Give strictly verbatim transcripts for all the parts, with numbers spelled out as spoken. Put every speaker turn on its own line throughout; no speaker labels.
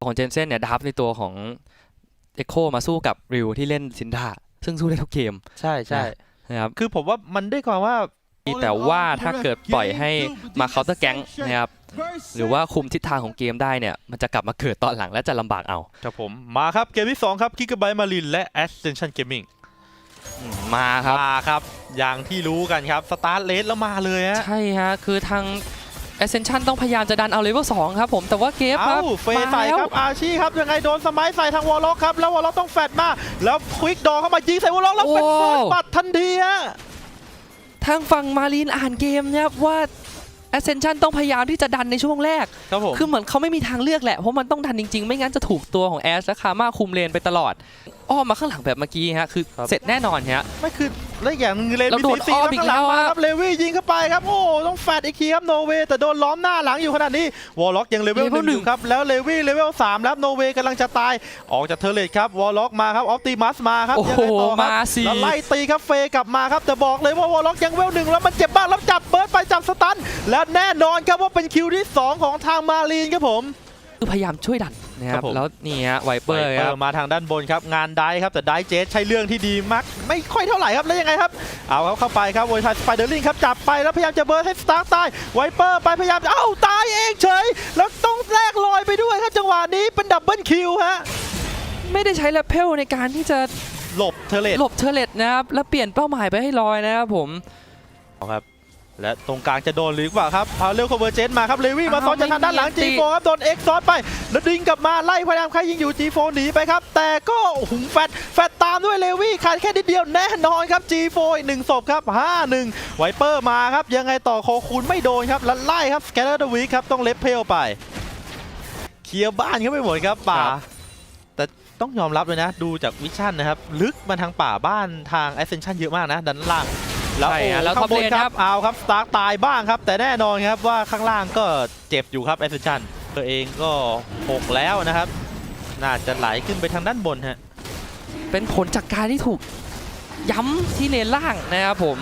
ของเจนเซ่นเนี่ยดับในตัวของเอ็กโคมาสู้กับริวที่เล่นซินดาซึ่งสู้ได้ทุกเกม
ใช่ใช่
นะครับ
คือผมว่ามันได้ความว่า
แต่ว่าถ้าเกิดปล่อยให้มาเคาน์เตอร์แก๊งนะครับหรือว่าคุมทิศทางของเกมได้เนี่ยมันจะกลับมาเกิดตอนหลังและจะลำบากเอา
ครับผมมาครับเกมที่สองครับ Gigabyte Marine และ Ascension Gaming
มาครับ
มาครับอย่างที่รู้กันครับสตาร์ทเลสแล้วมาเลยฮะ
ใช่ฮะคือทาง Ascension ต้องพยายามจะดันเอาเลเวลสองครับผมแต่ว่าเกฟครับ
เฟย์ใส่ครับอาชีครับยังไงโดนสมัยใส่ทางวอลล็อกครับแล้ววอลล็อกต้องแฟดมาแล้วควิกดอเข้ามายิงใส่วอลล็อกแล้วเป็นเฟิร์สบัตทันทีฮะ
ทางฝั่งมารีนอ่านเกมนะครับว่า Ascension ต้องพยายามที่จะดันในช่วงแรก
ครับผม
คือเหมือนเขาไม่มีทางเลือกแหละเพราะมันต้องดันจริงๆไม่งั้นจะถูกตัวของแอชและคาม่าคุมเลนไปตลอดอ้อมมาข้างหลังแบบเมื่อกี้ฮะคือเสร็จแน่นอนฮะ
ไม่คือและอย่างนึงเลวี่ซีซีข้างหลังมาครับเลวี่ยิงเข้าไปครับโอ้ต้องแฟดอีกทีครับโนเวแต่โดนล้อมหน้าหลังอยู่ขนาดนี้วอลล็อกยังเลเวลหนึ่งครับแล้วเลวี่เลเวลสามแล้วโนเวกำลังจะตายออกจากเทเลตครับวอลล็อกมาครับออปติมัสมาครับ
ยังไงต่อครับ
แล้วไล่ตีครับเฟกลับมาครับแต่บอกเลยว่าวอลล็อกยังเวลหนึ่งแล้วมันเจ็บบ้างแล้วจับเบิร์ดไปจับสตันและแน่นอนครับว่าเป็นคิวที่สองของทางมารีนครับผม
คือพยายามช่วยดันนะครับแล้วนี่ฮะไวเปอร์ครับ
มาทางด้านบนครับงานได้ครับแต่ได้เจสใช้เรื่องที่ดีมากไม่ค่อยเท่าไหร่ครับแล้วยังไงครับเอาครับเข้าไปครับโวยทายสไปเดอร์ลิงครับจับไปแล้วพยายามจะเบิร์ดให้สตาร์ตายไวเปอร์ไปพยายามเอ้าตายเองเฉยแล้วต้องแลกลอยไปด้วยครับจังหวะนี้เป็นดับเบิลคิวฮะ
ไม่ได้ใช้แรปเพลในการที่จะ
หลบเทเลต
หลบเทเลตนะครับแล้วเปลี่ยนเป้าหมายไปให้ลอยนะครับผม
เอาครับและตรงกลางจะโดนหรือเปล่าครับพาเร็วคอมเวอร์เจนมาครับเลวี่มาซ้อนจากทางด้านหลัง จี โฟร์ ครับโดนเอ็กซ์ซ้อนไปแล้วดึงกลับมาไล่พยายามใครยิงอยู่ จี โฟร์ หนีไปครับแต่ก็หุงแฟดแฟดตามด้วยเลวี่ขาดแค่นิดเดียวแน่นอนครับ จี โฟร์ อีกหนึ่งศพครับ ห้าหนึ่ง ไวเปอร์มาครับยังไงต่อโคคูนไม่โดนครับแล้วไล่ครับสแกนเดอร์เดอะวีคครับต้องเลฟเพลไปเคลียร์บ้านเขาไปหมดครับป่าแต่ต้องยอมรับเลยนะดูจากวิชั่นนะครับลึกมาทางป่าบ้านทาง Ascension เยอะมากนะด้านล่างแล้ว
แล้วท็อปเลนครับ
เอาครับสตาร์ตายบ้างครับแต่แน่นอนครับว่าข้างล่างก็เจ็บอยู่ครับแอสเซนชั่นตัวเองก็หกแล้วนะครับน่าจะไหลขึ้นไปทางด้านบนฮะ
เป็นผลจากการที่ถูกย้ำที่เลนล่างนะครับผม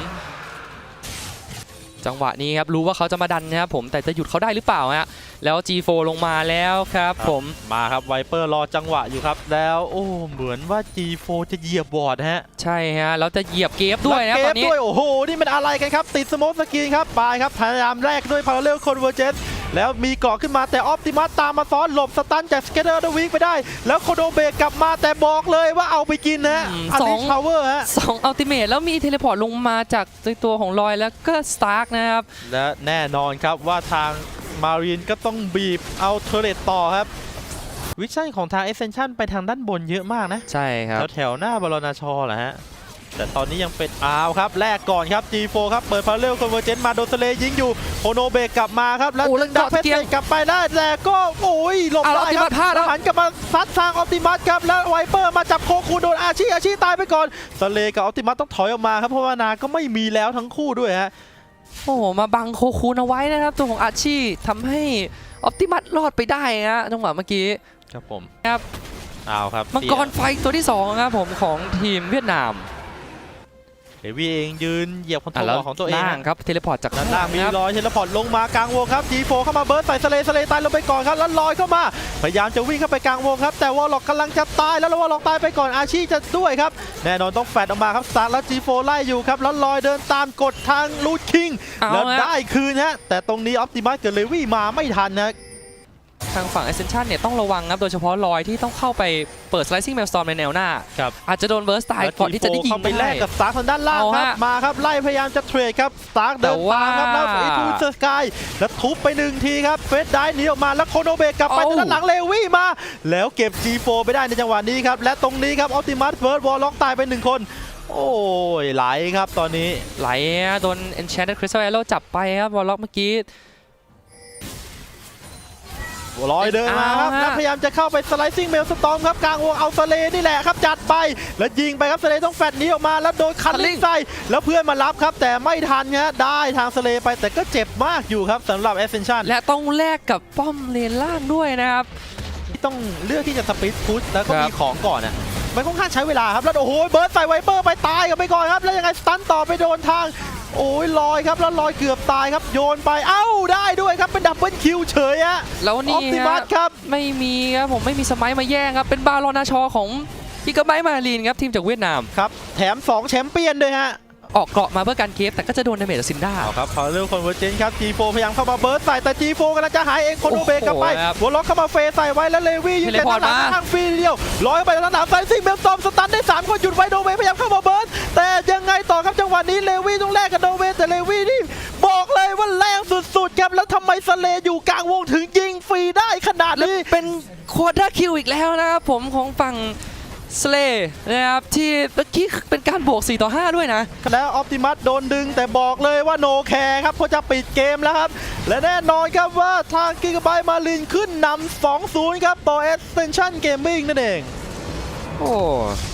จังหวะนี้ครับรู้ว่าเขาจะมาดันนะครับผมแต่จะหยุดเขาได้หรือเปล่าฮะแล้ว จี โฟร์ ลงมาแล้วครับผม
มาครับไวเปอร์รอจังหวะอยู่ครับแล้วโอ้เหมือนว่า จี โฟร์ จะเหยียบบอร์ดฮะ
ใช่ฮะแล้วจะเหยียบเกฟด้วยนะตอนนี้
โอ้โหนี่มันอะไรกันครับติดสโมกสกรีนครับไปครับพยายามแรกด้วยพาราเรลคอนเวอร์เจนแล้วมีเกาะขึ้นมาแต่ออปติมัสตามมาซ้อนหลบสตันจากสเกเดอร์เดอะวีคไปได้แล้วโคโดเบกกลับมาแต่บอกเลยว่าเอาไปกินนะอันนี้พาวเวอร์ฮะ
สองอัลติเมทแล้วมีเทเลพอร์ตลงมาจากตัวของลอยแล้วก็สตาร์กนะครับ
และแน่นอนครับว่าทางมารีนก็ต้องบีบเอาเทเลตต่อครับวิชั่นของทาง Ascension ไปทางด้านบนเยอะมากนะ
ใช่ครับ
แถวหน้าบรณชแหละฮะแต่ตอนนี้ยังเป็นอ้าวครับแรกก่อนครับ จี โฟร์ ครับเปิดพาราเรลคอนเวอร์เจนมาโดนทะเลยิงอยู่โฮโนเบกกลับมาครับแล้วดักเพชรกลับไปได้แต่ก็โอ้ยหลบได้ครับแล้วหันกลับมาซัดทางออปติมัสครับแล้วไวเปอร์มาจับโคคูโดนอาชีอาชีตายไปก่อนทะเลกับออปติมัสต้องถอยออกมาครับเพราะว่านาก็ไม่มีแล้วทั้งคู่ด้วยฮะ
โอ้โหมาบังโคคูนเอาไว้นะครับตัวของอาชีทำให้ออปติมัสรอดไปได้นะจังหวะเมื่อกี้
ครับผม
ครับ
เอาครับ
มังกรไฟตัวที่สองครับผมของทีมเวียดนาม
เดวี่เองยืนเหยียบคอนโทรลของตัวเอง
ครับเทเลพอร์ตจาก
ด้านล่างมีลอยเทเลพอร์ตลงมากลางวงครับ จี โฟร์ เข้ามาเบิร์ดใส่สเลสเลตายลงไปก่อนครับแล้วลอยเข้ามาพยายามจะวิ่งเข้าไปกลางวงครับแต่วอลล็อกกำลังจะตายแล้ววอลล็อกตายไปก่อนอาชีจะด้วยครับแน่นอนต้องแฟดออกมาครับสตาร์แล้ว จี โฟร์ ไล่อยู่ครับแล้วลอยเดินตามกดทางลูดคิงแล้วได้คืนฮะแต่ตรงนี้ออปติมัสกับเลวี่มาไม่ทันนะ
ทางฝั่ง Ascension เนี่ยต้องระวังครับโดยเฉพาะลอยที่ต้องเข้าไปเปิด Slicing Maelstrom ในแนวหน้าอาจจะโดนเบิร์สตายก่อนที่จะได้ยิง
ไปแลกกับสตาร์ทางด้านล่างครับมาครับไล่พยายามจะเทรดครับสตาร์เดินตามครับแล้วไอ้ทูสกายแล้วทุบไปหนึ่งทีครับเฟสได้หนีออกมาแล้วโคโนเบกกลับไปด้านหลังเลวี่มาแล้วเก็บ จี โฟร์ ไปได้ในจังหวะนี้ครับและตรงนี้ครับออปติมัสเฟิร์สวอลล็อกตายไปหนึ่งคนโอ้ยไหลครับตอนนี้
ไหลโดน Enchanted Crystal Arrow จับไปครับวอลล็อกเมื่อกี้
ลอยเดินมาครับแล้วพยายามจะเข้าไปสไลซิ่งเมลสตอมครับกลางวงเอาสเลนี่แหละครับจัดไปแล้วยิงไปครับสเลต้องแฟดนี้ออกมาแล้วโดนคันลิงใส่แล้วเพื่อนมารับครับแต่ไม่ทันฮะได้ทางสเลไปแต่ก็เจ็บมากอยู่ครับสำหรับ Ascension
และต้องแลกกับป้อมเลนล่างด้วยนะครับ
ที่ต้องเลือกที่จะสปีดพุชแล้วก็มีของก่อนอ่ะมันค่อนข้างใช้เวลาครับแล้วโอ้โหเบิร์ดใส่ไวเปอร์ไปตายกันไปก่อนครับแล้วยังไงสตันต่อไปโดนทางโอ้ยลอยครับแล้วลอยเกือบตายครับโยนไปเอ้าได้ด้วยครับเป็นดับเบิลคิวเฉยฮะ
แล้ว
อ
นี่
อปติมั
ฮะ
สครับ
ไม่มีครับผมไม่มีสมัยมาแย่งครับเป็นบารอนาชอของกิกาไบต์มารีนครับทีมจากเวียดนาม
ครับแถมสองแชมเปี้ยนด้วยฮะ
ออกเกราะมาเพื่อการเคฟแต่ก็จะโดนดาเมจจากซินด้า
เอาครับพอเรื่องคอนเวอร์เจนครับ จี โฟร์ พยายามเข้ามาเบิร์สใส่แต่ จี โฟร์ กำลังจะหายเองคนโอเบกลับไป
โอ้โหครับ
หัวล็อกเข้ามาเฟใส่ไว้แล้วเลวี่ยิงแต่ด้านหลัง
เทเลพอร์ตมา
ทางฟรีเดียวลอยไปทางหลังไซซิ่งเบลซอมสตันได้สามคนหยุดไว้โดเวพยายามเข้ามาเบิร์สแต่ยังไงต่อครับจังหวะนี้เลวี่ต้องแลกกับโดเวแต่เลวี่นี่บอกเลยว่าแรงสุดๆครับแล้วทำไมสเลอยู่กลางวงถึงยิงฟรีได้ขนาด
แล้ว
นี้
เป็นควอเตอร์คิวอีกแล้วนะครับผมของฝั่งสเลย์นะครับที่เมื่อกี้เป็นการบวกสี่ต่อห้าด้วยนะ
แล้วออปติมัสโดนดึงแต่บอกเลยว่าโนแคร์ครับเพราะจะปิดเกมแล้วครับ และแน่นอนครับว่าทางกิกาไบต์มาลินขึ้นนำ สองศูนย์ ครับต่อ Ascension Gaming นั่นเอง
โอ้